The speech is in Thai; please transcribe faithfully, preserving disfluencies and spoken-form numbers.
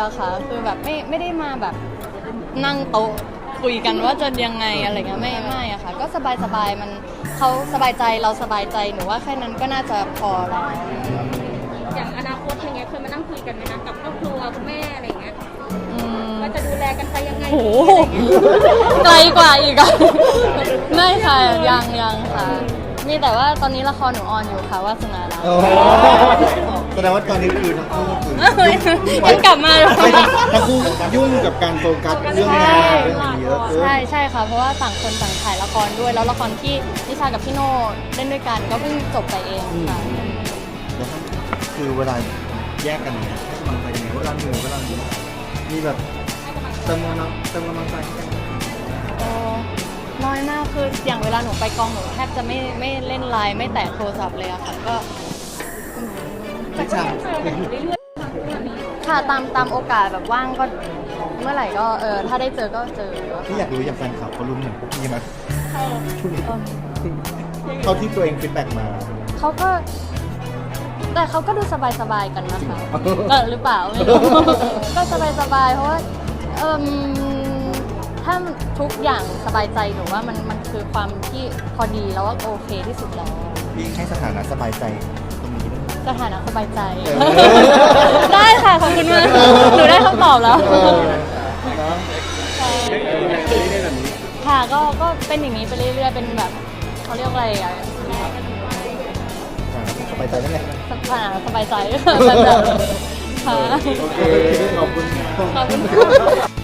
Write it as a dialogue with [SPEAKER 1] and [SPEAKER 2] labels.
[SPEAKER 1] อะค่ะคือแบบไม่ไม่ได้มาแบบนั่งโต๊ะคุยกันว่าจะยังไงอะไรเงี้ยไม่ไม่อะค่ะก็สบายสบายมันเขาสบายใจเราสบายใจหนูว่าแค่นั้นก็น่าจะพอแล้ว
[SPEAKER 2] อย่างอนาคตอย่างเงี้ยเคยมานั่งคุยกันไหมนะกับครอบครัวคุณแม่อะไรอย่างเงี้ย
[SPEAKER 1] อืม
[SPEAKER 2] ว่าจะดูแลกันไปยังไง
[SPEAKER 1] โอ้โหไกลกว่าอีกอะไม่ค่ะยังยังค่ะ มีแต่ว่าตอนนี้ละครหนูออนอยู่ค่ะว่าสนารัก
[SPEAKER 3] โอ้แสดงว่าตอนนี้คือทั้งคู่คือ
[SPEAKER 1] ยังกลับมาเลย
[SPEAKER 3] ไม่ทั้งคู่ยุ่งกับการโฟกัสเรื่องงานเรื่องอะไรเยอะเออ
[SPEAKER 1] ใช่ใช่ค่ะเพราะว่าต่างคนต่างถ่ายละครด้วยแล้วละครที่นิชากับพี่โน่เล่นด้วยกันก็เพิ่งจบไปเองค่ะ
[SPEAKER 3] แล้วคือเวลาแยกกันเนี่ยให้กำลังใจกันเนี่ยเวลาเหนื่อยเวลาเหนื่อยมีแบบเติมกำลังเติมกำลังใจให้กัน
[SPEAKER 1] โอ้น้อยมากคืออย่างเวลาหนูไปกองหนูแทบจะไม่ไม่เล่นไลน์ไม่แตะโทรศัพท์เลยอะค่ะก็
[SPEAKER 3] ไม่ใช่
[SPEAKER 1] ค่ะตามตามโอกาสแบบว่างก็เมื่อไหร่ก็เออถ้าได้เจอก็เจอ
[SPEAKER 3] ที่อยากรู้อย่างแฟนคลับเขารู้เหมือนพวกพี่ไหม
[SPEAKER 1] เออ
[SPEAKER 3] เขาที่ตัวเองฟีดแบ็กมา
[SPEAKER 1] เขาก็ แต่เขาก็ดูสบายๆกันนะคะเออหรือเปล่าไม่รู้ ก็สบายๆเพราะว่าเออถ้าทุกอย่างสบายใจหนูว่ามันมันคือความที่พอดีแล้วว่าโอเคที่สุดแล้ว
[SPEAKER 3] พี่ให้สถานะสบายใจตรงนี้ด้วย
[SPEAKER 1] สถานะสบายใจ
[SPEAKER 3] เออ
[SPEAKER 1] ได้ค่ะขอบคุณมากหนูได้คำตอบแล้ว
[SPEAKER 3] เออเนอะ
[SPEAKER 1] ใช่ค่ะก็ก็เป็นอย่างนี้ไปเรื่อยๆเป็นแบบเขาเรียกว่าอะไรอะ
[SPEAKER 3] สบายใจนั่นแหละ
[SPEAKER 1] สถานะสบายใจ แบบแบบค่ะ
[SPEAKER 3] โอเคขอบคุณ
[SPEAKER 1] ขอบคุณค่ะ